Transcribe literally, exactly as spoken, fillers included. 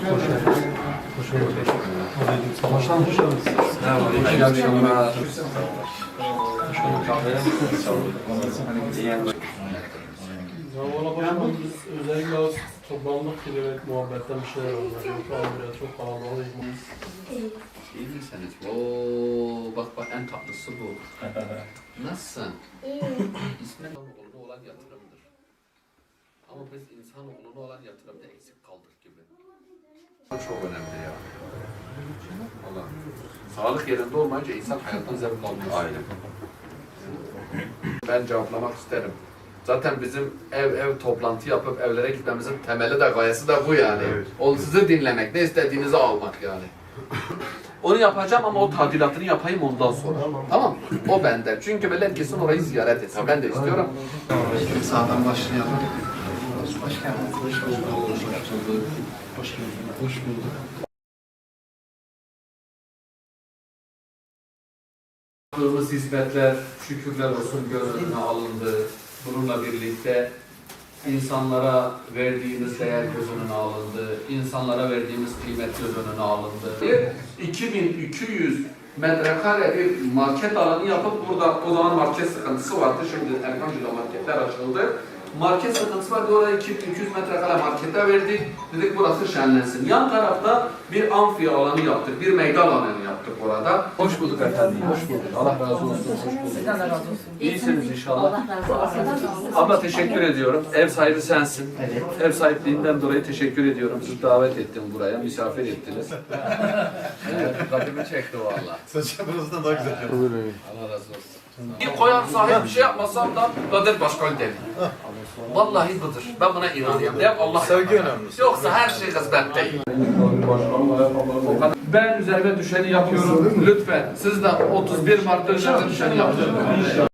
Baştan hoş geldiniz. İyi akşamlar. Valla başkanım biz özellikle az toplandık ki evet muhabbetten bir şeyler oldu. Yoksa biraz çok kalabalık. İyi misiniz? Oo, bak bak en tatlısı bu. Nasılsın? İsmen insanoğluna olan yatırımdır. Ama biz insanoğluna olan yatırımda eksik kaldık gibi. Bu çok önemli ya. Allah. Sağlık yerinde olmayınca insan hayattan zevk almıyor. Aynen. Ben cevaplamak isterim. Zaten bizim ev ev toplantı yapıp evlere gitmemizin temeli de gayesi de bu yani. Evet. O sizi dinlemek, ne istediğinizi almak yani. Onu yapacağım ama o tadilatını yapayım ondan sonra. Tamam, o bende. Çünkü böyle kesin orayı ziyaret etsin. Ben de istiyorum. Sağdan başlayalım. Hoş geldiniz. Hoş bulduk. Hoş bulduk. Hoş bulduk. Hoş bulduk. Yaptığımız hizmetler, şükürler olsun göz önüne alındı. Bununla birlikte insanlara verdiğimiz değer göz önüne alındı. İnsanlara verdiğimiz kıymet göz önüne alındı. iki bin iki yüz metrekare bir market alanı yapıp burada o zaman market sıkıntısı vardı. Şimdi Erkancı'da marketler açıldı. Market sıkıntısı vardı. Oraya iki bin iki yüz metrekare markete verdik. Dedik burası şenlensin. Yan tarafta bir amfi alanı yaptık. Bir meydan alanı yaptık orada. Hoş bulduk efendim. Hoş bulduk. Allah razı olsun. Hoş bulduk. Sizden de razı olsun. İyisiniz inşallah. Allah razı olsun. Abla teşekkür ediyorum. Ev sahibi sensin. Evet. Ev sahipliğinden dolayı teşekkür ediyorum. Sizi davet ettim buraya. Misafir ettiniz. Evet, Rabbimi çekti valla. Saçlarınızdan daha güzel. Allah razı olsun. Bir koyar sahip bir şey yapmasam da Kadir Başkan deli. Vallahi budur. Ben buna inanıyorum. Hep Allah Sevgi önemli. Yoksa her şey hizmet değil. Ben üzerime düşeni yapıyorum. Lütfen siz de otuz bir Mart'ta üzerine düşeni yapın.